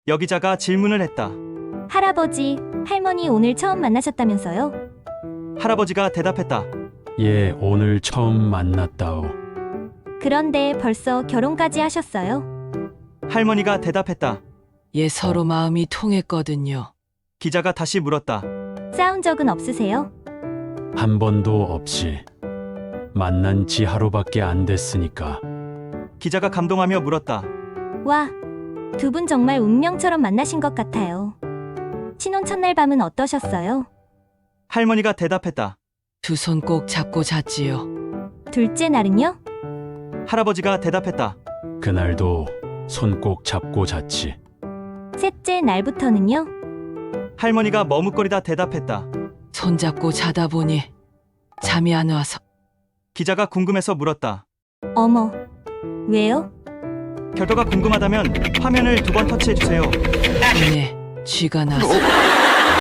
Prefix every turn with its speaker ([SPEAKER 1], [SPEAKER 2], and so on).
[SPEAKER 1] 여기자가 질문을 했다.
[SPEAKER 2] 할아버지, 할머니 오늘 처음 만나셨다면서요?
[SPEAKER 1] 할아버지가 대답했다.
[SPEAKER 3] 예, 오늘 처음 만났다오.
[SPEAKER 2] 그런데 벌써 결혼까지 하셨어요?
[SPEAKER 1] 할머니가 대답했다.
[SPEAKER 4] 예, 서로 마음이 통했거든요.
[SPEAKER 1] 기자가 다시 물었다.
[SPEAKER 2] 싸운 적은 없으세요?
[SPEAKER 3] 한 번도 없이. 만난 지 하루밖에 안 됐으니까.
[SPEAKER 1] 기자가 감동하며 물었다.
[SPEAKER 2] 와, 두 분 정말 운명처럼 만나신 것 같아요. 신혼 첫날 밤은 어떠셨어요?
[SPEAKER 1] 할머니가 대답했다.
[SPEAKER 4] 두 손 꼭 잡고 잤지요.
[SPEAKER 2] 둘째 날은요?
[SPEAKER 1] 할아버지가 대답했다.
[SPEAKER 3] 그날도 손 꼭 잡고 잤지.
[SPEAKER 2] 셋째 날부터는요?
[SPEAKER 1] 할머니가 머뭇거리다 대답했다.
[SPEAKER 4] 손 잡고 자다 보니 잠이 안 와서.
[SPEAKER 1] 기자가 궁금해서 물었다.
[SPEAKER 2] 어머, 왜요?
[SPEAKER 1] 결과가 궁금하다면 화면을 두 번 터치해주세요.
[SPEAKER 4] 눈에 쥐가 나서.